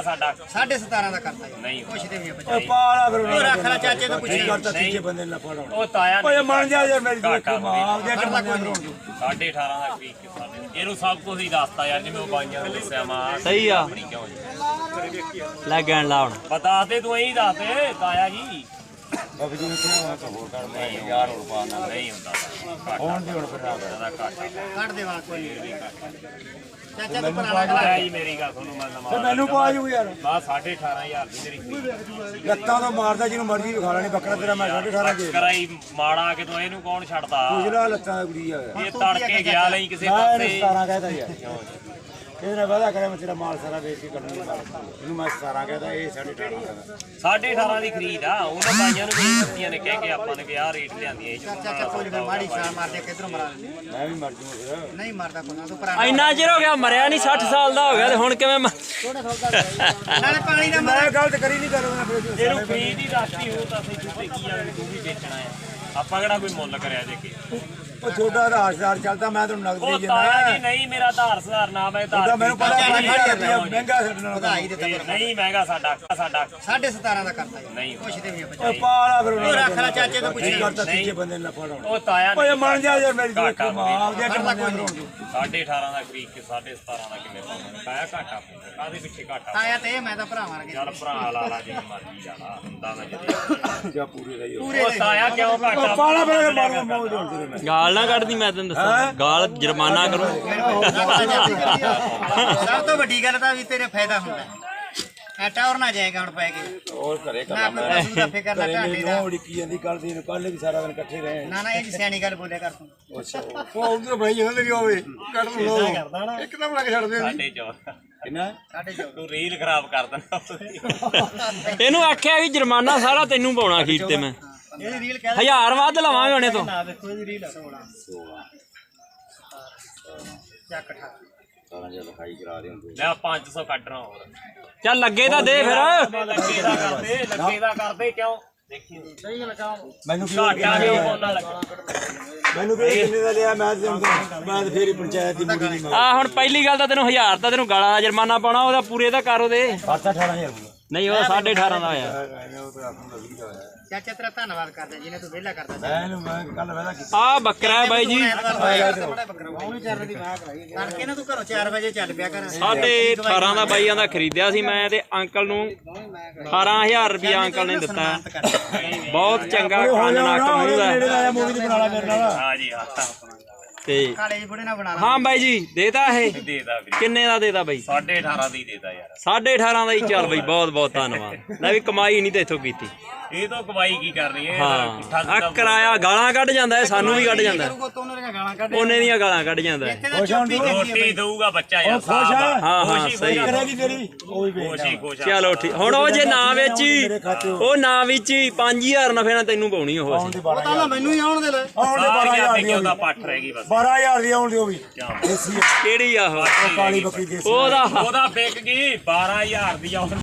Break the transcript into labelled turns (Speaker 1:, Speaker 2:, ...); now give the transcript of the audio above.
Speaker 1: ਸਾਡਾ
Speaker 2: 17.5 ਦਾ ਕਰਤਾ ਜੀ
Speaker 1: ਨਹੀਂ
Speaker 2: ਪੁੱਛਦੇ ਵੀ
Speaker 3: ਓ ਪਾਲਾ ਫਿਰ
Speaker 2: ਉਹ ਰੱਖ ਲੈ ਚਾਚੇ ਤੋਂ ਪੁੱਛੀ
Speaker 3: ਕਰਤਾ ਤੀਜੇ ਬੰਦੇ ਨੇ ਫੜਾਉਣਾ
Speaker 1: ਉਹ ਤਾਇਆ
Speaker 3: ਓਏ
Speaker 1: ਨਹੀਂ
Speaker 3: ਮੰਨ ਜਾ ਯਾਰ ਮੇਰੀ ਦੇਖੋ ਮਾਂ ਆਪਦੇ
Speaker 2: ਕਰਦਾ ਕੋਈ ਨਹੀਂ
Speaker 1: 18.5 ਦਾ ਖਰੀਦ ਕੇ ਸਾਡੇ ਇਹਨੂੰ ਸਭ ਕੁਝ ਹੀ ਦੱਸਤਾ ਯਾਰ ਜਿਵੇਂ ਉਹ ਬਾਈਆਂ ਨੇ ਦੱਸਿਆ ਮਾਂ
Speaker 4: ਸਹੀ ਆ
Speaker 1: ਆਪਣੀ ਕਿਉਂ ਜੀ
Speaker 4: ਲੈ ਗਣ ਲਾ ਹੁਣ
Speaker 1: ਬਤਾ ਦੇ ਤੂੰ ਇਹੀ ਦੱਸ ਦੇ ਤਾਇਆ ਜੀ
Speaker 3: ਬਾਬੂ ਜੀ ਕਿਹਾ ਹੋਰ ਕਰ ਮੈਂ
Speaker 1: ਨਹੀਂ
Speaker 3: 1000 ਹੋਰ ਪਾ ਨਾ
Speaker 1: ਨਹੀਂ ਹੁੰਦਾ
Speaker 3: ਹੁਣ ਦੀ ਹੁਣ ਫਿਰ ਆ ਗਿਆ
Speaker 1: ਦਾ ਘਾਟਾ
Speaker 2: ਕੱਢ ਦੇ ਵਾਲ ਕੋਈ ਨਹੀਂ ਚਾਚਾ ਤੂੰ ਪੁਰਾਣਾ
Speaker 1: ਤਾਇਆ ਜੀ ਮੇਰੀ ਗੱਲ ਤੁਹਾਨੂੰ ਮੈਂ
Speaker 3: ਤੇ
Speaker 1: ਨਵਾਂ
Speaker 3: ਮੈਨੂੰ ਪਾ ਜੂ ਯਾਰ
Speaker 1: ਬਾ 18.5 ਦੀ ਮੇਰੀ ਖਰੀਦ
Speaker 3: ਲੱਤਾਂ ਤੋਂ ਮਾਰਦਾ ਜਿਹਨੂੰ ਮਰਜ਼ੀ ਵਿਖਾ ਲੈਣੀ ਬੱਕਰਾ ਤੇਰਾ ਮੈਂ 18.5 ਦੇ
Speaker 1: ਕਰਾਈ ਮਾੜਾ ਕਿ ਤੂੰ ਇਹਨੂੰ ਕੌਣ ਛੱਡਦਾ
Speaker 3: ਪੁੱਛਲਾ ਲੱਤਾਂ ਦਾ ਕੁੜੀ ਆ
Speaker 1: ਇਹ ਤੜਕੇ ਗਿਆ ਲਈ ਕਿਸੇ
Speaker 3: ਮੈਂ
Speaker 1: ਪਾਸੇ
Speaker 3: 17 ਕਹਿਦਾ ਯਾਰ ਇਹਨੇ ਵਾਦਾ ਕਰਿਆ ਮੈਂ ਤੇਰਾ ਮਾਲ ਸਾਰਾ ਵੇਚ ਕੇ ਕੱਢਣ ਦੀ ਗੱਲ ਇਹਨੂੰ ਮੈਂ 17 ਕਹਿਦਾ ਇਹ 18.5 ਕਹਿੰਦਾ
Speaker 1: 18.5 ਦੀ ਖਰੀਦ ਆ ਉਹਨਾਂ ਬਾਈਆਂ ਨੂੰ ਵੀ ਦਿੱਤੀਆਂ ਨੇ ਕਹਿ ਕੇ ਆਪਾਂ ਨੇ ਕਿ ਆਹ ਰੇਟ ਲਿਆਂਦੀਆਂ ਇਹ
Speaker 2: ਚਾਚਾ ਕੋਈ ਨਹੀਂ ਮਾੜੀ ਛਾਲ ਮਾਰ ਦੇ ਕਿਧਰੋਂ ਮਰਾ ਲੈਂਦੇ
Speaker 3: ਮੈਂ ਵੀ ਮਰ ਜੂਗਾ ਫਿਰ
Speaker 2: ਨਹੀਂ ਮਰਦਾ ਕੋਈ ਨਾ ਤੂੰ ਪੁਰਾਣਾ
Speaker 4: ਇੰਨਾ ਚਿਰ ਹੋ ਗਿਆ ਮਰਿਆ ਨਹੀਂ 60 ਸਾਲ ਦਾ ਹੋ ਗਿਆ ਤੇ ਹੁਣ ਕਿਵੇਂ
Speaker 2: ਨਾਲੇ ਪਾਣੀ ਦਾ
Speaker 3: ਮੈਂ ਗਲਤ ਕਰੀ ਨਹੀਂ ਕਰੂੰਗਾ ਫਿਰ
Speaker 1: ਇਹਨੂੰ ਖਰੀਦ ਹੀ ਦੱਸਦੀ ਹੋ ਤਾਂ ਅਸੀਂ ਕਿਤੇ ਕੀ ਆ ਤੂੰ ਵੀ ਵੇਚਣਾ ਆ ਆਪਾਂ ਕਿਹੜਾ ਕੋਈ ਮੁੱਲ ਕਰਿਆ ਜੇ ਕਿ
Speaker 3: ਉਹ ਛੋਟਾ ਆਧਾਰਦਾਰ ਚੱਲਦਾ ਮੈਂ ਤੁਹਾਨੂੰ ਨਗਦ
Speaker 1: ਉਹ
Speaker 3: ਦੇ
Speaker 1: ਤਾਇਆ ਜੀ
Speaker 3: ਜਿੰਨਾ
Speaker 1: ਨਹੀਂ ਮੇਰਾ ਆਧਾਰ ਸੁਧਾਰ ਨਾ ਮੈਂ
Speaker 3: ਉਹਦਾ
Speaker 1: ਆਧਾਰ
Speaker 3: ਮੈਨੂੰ ਪਤਾ
Speaker 2: ਚਾਚਾ ਜੀ,
Speaker 3: 5000 ਰੁਪਇਆ ਮਹਿੰਗਾ ਛੱਡਣਾ
Speaker 2: ਵਧਾਈ ਦਿੱਤਾ ਪਰ
Speaker 1: ਨਹੀਂ ਮਹਿੰਗਾ ਸਾਡਾ
Speaker 2: 17.5 ਦਾ ਕਰਤਾ ਜੀ
Speaker 1: ਨਹੀਂ
Speaker 2: ਪੁੱਛਦੇ ਵੀ
Speaker 3: ਓ ਪਾਲਾ ਫਿਰ
Speaker 2: ਉਹ ਰੱਖ ਲੈ ਚਾਚੇ ਤੋਂ ਪੁੱਛੀ
Speaker 3: ਕਰਤਾ ਤੀਜੇ ਬੰਦੇ ਨੇ ਫੜਾਉਣਾ
Speaker 1: ਉਹ ਤਾਇਆ
Speaker 3: ਓਏ
Speaker 1: ਨਹੀਂ
Speaker 3: ਮੰਨ ਜਾ ਯਾਰ ਮੇਰੀ
Speaker 1: ਘਾਟਾ
Speaker 3: ਦੇਖੋ ਮਾਂ ਆਪਦੇ
Speaker 2: ਕਰਦਾ ਕੋਈ
Speaker 3: ਬੰਦੇ
Speaker 2: ਨਹੀਂ
Speaker 1: 18.5 ਦਾ ਖਰੀਦ ਕੇ 17.5 ਦਾ ਕਿਵੇਂ ਪਾਵਾਂਗੇ ਤਾਇਆ ਘਾਟਾ ਪਾਉਂਦਾ ਕਾਹਦੇ ਪਿੱਛੇ ਘਾਟਾ
Speaker 2: ਆਇਆ ਤੇ ਮੈਂ ਤਾਂ ਭਰਾਵਾਂ ਵਰਗੇ
Speaker 1: ਚੱਲ ਭਰਾ ਲਾ ਲਾ ਜਿੰਨੀ ਮਰਜ਼ੀ ਲਾ ਹੁੰਦਾ ਮੈਂ ਜਦੋਂ
Speaker 3: ਜਾਂ ਪੂਰੇ ਰਹੀ
Speaker 2: ਪੂਰੇ
Speaker 1: ਉਹ ਤਾਇਆ ਕਿਉਂ ਘਾਟਾ
Speaker 3: ਪਾਲਾ ਫਿਰ ਮਾਰੂ ਮੌਜ ਹੋਣ ਤੇਰੇ
Speaker 4: ਗਾਲ ਨਾ ਕੱਢਦੀ ਮੈਂ ਤੈਨੂੰ ਦੱਸਾਂ ਗਾਲ ਜੁਰਮਾਨਾ ਕਰੋ
Speaker 2: ਸਭ ਤੋਂ ਵੱਡੀ ਗੱਲ ਤਾਂ ਵੀ ਤੇਰੇ ਫਾਇਦਾ ਹੁੰਦਾ ਐ ਟੌਰ ਨਾ ਜਾਏਗਾ ਹੁਣ ਪੈ ਕੇ
Speaker 3: ਹੋਰ ਘਰੇ
Speaker 2: ਨਾ ਕੋਈ ਪਸ਼ੂ ਦਾ ਫਿਕਰ ਨਾ ਢਾਡੇ ਦਾ
Speaker 3: ਉਹ ਉੜਕੀ ਜਾਂਦੀ ਕੱਲ੍ਹ ਨੂੰ ਕੱਲ੍ਹ ਵੀ ਸਾਰਾ ਦਿਨ ਇਕੱਠੇ ਰਹੇ
Speaker 2: ਨਾ ਨਾ ਇਹ ਜੀ ਸਿਆਣੀ ਗੱਲ ਬੋਲਿਆ ਕਰ ਤੂੰ
Speaker 3: ਅੱਛਾ ਉਹ ਉਧਰ ਬਈ ਇਹਨਾਂ ਵੀ ਹੋਵੇ ਕੱਢ ਲੋ ਇੱਕਦਮ ਲੱਗ ਛੱਡਦੇ
Speaker 1: ਸਾਡੇ ਚੋਂ
Speaker 3: ਕਿੰਨਾ
Speaker 2: ਸਾਡੇ ਜੋ
Speaker 1: ਤੂੰ ਰੀਲ ਖਰਾਬ ਕਰ ਦਿੰਦਾ
Speaker 4: ਇਹਨੂੰ ਆਖਿਆ ਵੀ ਜੁਰਮਾਨਾ ਸਾਰਾ ਤੈਨੂੰ ਪਾਉਣਾ ਅਖੀਰ ਤੇ ਮੈਂ
Speaker 2: ਇਹਦੀ ਰੀਲ ਕਹਿ
Speaker 4: 1000 ਵੱਧ ਲਵਾਂਗੇ ਹੁਣੇ ਤੋਂ
Speaker 2: ਨਾ ਦੇਖੋ ਇਹਦੀ ਰੀਲ 16 ਚੱਕ ਠਾ
Speaker 3: ਸਾਰਾ ਜਿਹਾ ਲਿਖਾਈ ਕਰਾ ਰਹੇ ਹੁੰਦੇ
Speaker 1: ਲੈ 500 ਕੱਢਣਾ ਹੋਰ
Speaker 4: ਚੱਲ ਲੱਗੇ ਤਾਂ ਦੇ ਫਿਰ
Speaker 1: ਲੱਗੇ ਦਾ ਕਰਦੇ ਕਿਉਂ ਦੇਖੀ
Speaker 2: ਸਹੀ ਗੱਲ ਕਹਾਂ
Speaker 3: ਮੈਨੂੰ ਕੀ
Speaker 1: ਘਾਟਾ ਕਿਉਂ ਬੋਲਣ ਲੱਗਾ
Speaker 3: ਮੈਨੂੰ ਵੀ ਕਿੰਨੇ ਦਾ ਲਿਆ ਮੈਂ ਤੇ ਫੇਰ ਹੀ ਪੰਚਾਇਤ ਦੀ ਮੁੜੀ ਨਹੀਂ
Speaker 4: ਆ ਹੁਣ ਪਹਿਲੀ ਗੱਲ ਤਾਂ ਤੈਨੂੰ 1000 ਤਾਂ ਤੈਨੂੰ ਗਾਲਾਂ ਦਾ ਜੁਰਮਾਨਾ ਪਾਉਣਾ ਉਹਦਾ ਪੂਰੇ ਦਾ ਕਰ ਉਹਦੇ
Speaker 3: ਖਾਤਾ 18000
Speaker 4: ਨਹੀਂ ਉਹ 18.5 ਦਾ ਹੋਇਆ
Speaker 3: ਉਹ ਤਾਂ ਆਪਣਾ 20 ਦਾ ਹੋਇਆ
Speaker 2: ਚਾਚਾ ਤੇਰਾ ਧੰਨਵਾਦ ਕਰਦੇ ਜਿਹਨੇ ਤੂੰ ਵਿਹਲਾ ਕਰਦਾ
Speaker 3: ਮੈਂ ਕੱਲ ਵੇਲਾ ਕੀਤਾ
Speaker 4: ਆ ਬੱਕਰਾ ਹੈ ਬਾਈ ਜੀ
Speaker 2: ਉਹਨੂੰ ਚਾਰ ਦੀ ਮਾਂ ਕਰਾਈ ਕਰਕੇ ਨਾ ਤੂੰ ਘਰੋਂ 4 ਵਜੇ ਚੱਲ ਪਿਆ ਕਰ
Speaker 4: 18.5 ਦਾ ਬਾਈਆਂ ਦਾ ਖਰੀਦਿਆ ਸੀ ਮੈਂ ਤੇ ਅੰਕਲ ਨੂੰ 18000 ਰੁਪਇਆ ਅੰਕਲ ਨੇ ਦਿੱਤਾ ਬਹੁਤ ਚੰਗਾ ਕੰਨ ਨੱਕ ਮੂੰਹ ਦਾ
Speaker 3: ਮੂਵੀ ਦੀ ਬਣਾ ਲਾ ਮੇਰੇ ਨਾਲ
Speaker 1: ਹਾਂ ਜੀ ਹਾਂ
Speaker 4: ਤੇ
Speaker 2: ਕਾਲੇ ਜੀ ਬੁੜੇ ਨਾਲ ਬਣਾ ਲਾ
Speaker 4: ਹਾਂ ਬਾਈ ਜੀ ਦੇਤਾ ਇਹ
Speaker 1: ਦੇਦਾ ਵੀ
Speaker 4: ਕਿੰਨੇ ਦਾ ਦੇਤਾ ਬਾਈ
Speaker 1: 18.5 ਦੀ ਦੇਦਾ ਯਾਰ
Speaker 4: 18.5 ਦਾ ਹੀ ਚੱਲ ਬਾਈ ਬਹੁਤ ਬਹੁਤ ਧੰਨਵਾਦ ਲੈ ਵੀ ਕਮਾਈ ਨਹੀਂ ਤੇ ਇੱਥੋਂ ਕੀਤੀ
Speaker 1: ਇਹ ਤਾਂ ਕਮਾਈ ਕੀ ਕਰਨੀ ਹੈ
Speaker 4: ਹਾਂ ਆ ਕਿਰਾਇਆ ਗਾਲਾਂ ਕੱਢ ਜਾਂਦਾ ਹੈ ਸਾਨੂੰ ਵੀ ਕੱਢ ਜਾਂਦਾ
Speaker 2: ਕਰੂਗਾ ਤੂੰ ਉਹਨਾਂ ਦੀਆਂ ਗਾਲਾਂ ਕੱਢ
Speaker 4: ਉਹਨੇ ਦੀਆਂ ਗਾਲਾਂ ਕੱਢ ਜਾਂਦਾ ਹੈ
Speaker 2: ਇੱਥੇ ਤਾਂ ਚੁੱਪੀ
Speaker 1: ਰੋਟੀ ਦਊਗਾ ਬੱਚਾ ਯਾਰ
Speaker 3: ਖੁਸ਼ ਆ
Speaker 4: ਹਾਂ ਸਹੀ
Speaker 3: ਕਰੇਗੀ ਤੇਰੀ ਉਹ ਵੀ
Speaker 1: ਖੁਸ਼ੀ ਖੁਸ਼ ਆ
Speaker 4: ਚਲੋ ਠੀਕ ਹੁਣ ਉਹ ਜੇ ਨਾ ਵੇਚੀ ਉਹ ਨਾ ਵੇਚੀ 5000 ਨਫੇ ਨਾਲ ਤੈਨੂੰ ਪਾਉਣੀ ਉਹ ਅਸੀਂ
Speaker 2: ਉਹ ਤਾਂ ਮੈਨੂੰ ਹੀ ਆਉਣ ਦੇ ਲੈ
Speaker 3: ਆਉਣ ਦੇ 12000 ਦੀ
Speaker 1: ਉਹਦਾ ਪੱਠ ਰਹਿ ਗਈ ਬਸ
Speaker 3: 12000 ਦੀ ਆਉਣ ਦੀ ਉਹ ਵੀ ਦੇਸੀ
Speaker 4: ਕਿਹੜੀ ਆ ਉਹ
Speaker 3: ਕਾਲੀ ਬੱਕਰੀ ਦੇਸੀ
Speaker 4: ਉਹਦਾ
Speaker 1: ਉਹਦਾ ਵਿਕ ਗਈ 12000 ਦੀ ਆ